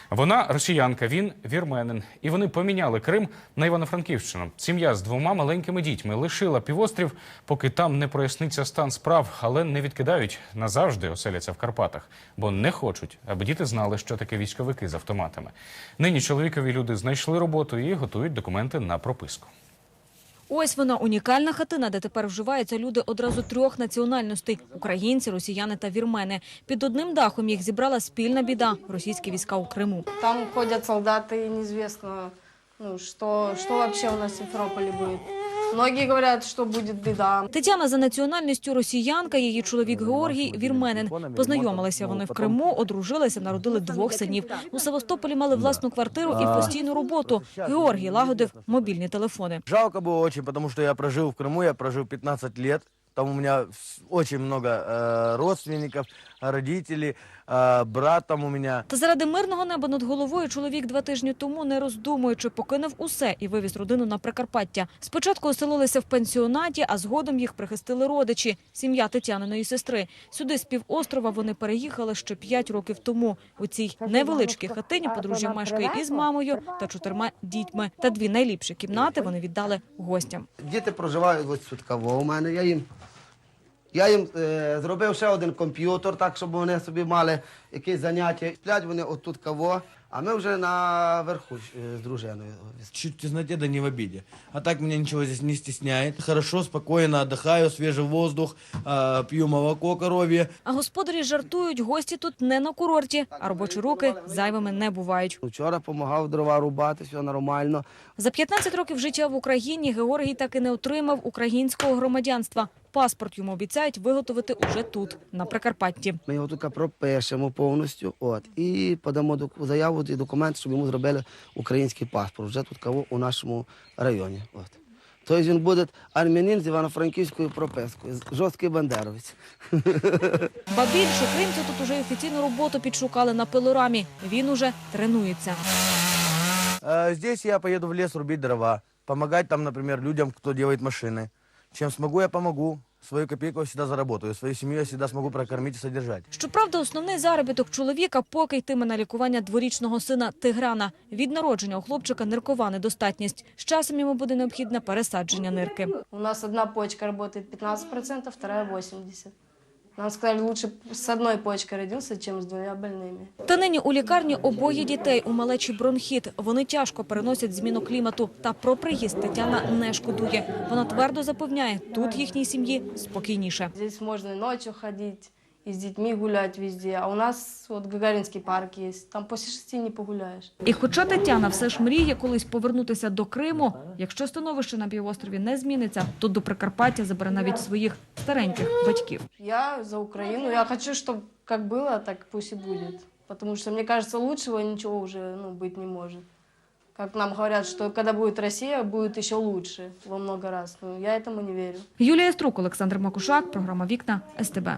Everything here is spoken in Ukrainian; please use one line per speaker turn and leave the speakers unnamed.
Вона росіянка, він вірменин. І вони поміняли Крим на Івано-Франківщину. Сім'я з 2 маленькими дітьми лишила півострів, поки там не проясниться стан справ, але не відкидають, назавжди оселяться в Карпатах. Бо не хочуть, аби діти знали, що таке військовики з автоматами. Нині чоловікові люди знайшли роботу і готують документи на прописку.
Ось вона, унікальна хатина, де тепер вживаються люди одразу 3 національностей – українці, росіяни та вірмени. Під одним дахом їх зібрала спільна біда – російські війська у Криму.
Там ходят солдаты, и неизвестно, что вообще у нас в Симферополе будет. Многие говорят, что будет беда.
Тетяна за національністю росіянка, її чоловік Георгій – вірменин. Познайомилися вони в Криму, одружилися, народили 2 синів. У Севастополі мали власну квартиру і постійну роботу. Георгій лагодив мобільні телефони.
Жалко было очень, потому что я прожил в Крыму, я прожил 15 лет. Там у меня очень много родственников, родителей, брат там у меня.
Та заради мирного неба над головою чоловік 2 тижні тому, не роздумуючи, покинув усе і вивіз родину на Прикарпаття. Спочатку оселилися в пенсіонаті, а згодом їх прихистили родичі – сім'я Тетяниної сестри. Сюди з півострова вони переїхали ще 5 років тому. У цій невеличкій хатині подружжя мешкає із мамою та 4 дітьми. Та 2 найліпші кімнати вони віддали гостям.
Діти проживають ось тут у мене. Я їм зробив ще один комп'ютер, так, щоб вони собі мали якісь заняття. Сплять вони отут каво, а ми вже наверху з дружиною.
Чуть в тесноте, да не в обиде. А так меня ничего здесь не стесняет. Хорошо, спокойно отдыхаю, свежий воздух, пью молоко коровье.
А господарі жартують, гості тут не на курорті, а робочі руки зайвими не бувають.
Вчора допомагав дрова рубати, все нормально.
За 15 років життя в Україні Георгій так і не отримав українського громадянства. Паспорт йому обіцяють виготовити уже тут, на Прикарпатті.
Ми його тут пропишемо повністю і подамо заяву і документ, щоб йому зробили український паспорт. Вже тут кого у нашому районі. Тобто він буде армянин з івано-франківською пропискою, жорсткий бандеровець.
Ба більше, кримці тут уже офіційну роботу підшукали на пилорамі. Він уже тренується.
Здесь я поеду в лес рубить дрова, помогать там, например, людям, кто делает машины. Чем смогу, я помогу. Свою копейку я всегда заработаю, свою семью я всегда смогу прокормить и содержать.
Щоправда, основний заробіток чоловіка поки йтиме на лікування дворічного сина Тиграна. Від народження у хлопчика ниркова недостатність. З часом йому буде необхідне пересадження нирки.
У нас одна почка работает 15%, вторая 80%. Нам сказали, лучше с одной почкой родился, чем с 2 больными.
Та нині у лікарні обоє дітей, у малечі бронхіт. Вони тяжко переносять зміну клімату. Та про приїзд Тетяна не шкодує. Вона твердо запевняє, тут їхній сім'ї спокійніше.
Здесь можно и ночью ходить, и с детьми гулять везде. А у нас вот Гагаринский парк есть, там после 6 не погуляешь.
І хоча Тетяна все ж мріє колись повернутися до Криму, якщо становище на півострові не зміниться, то до Прикарпаття забере навіть своїх стареньких батьків.
Я за Украину. Я хочу, чтобы как было, так пусть и будет. Потому что, мне кажется, лучшего ничего уже быть не может. Как нам говорят, что когда будет Россия, будет еще лучше во много раз. Но я этому не верю.
Юлія Струк, Олександр Макушак, програма «Вікна», СТБ.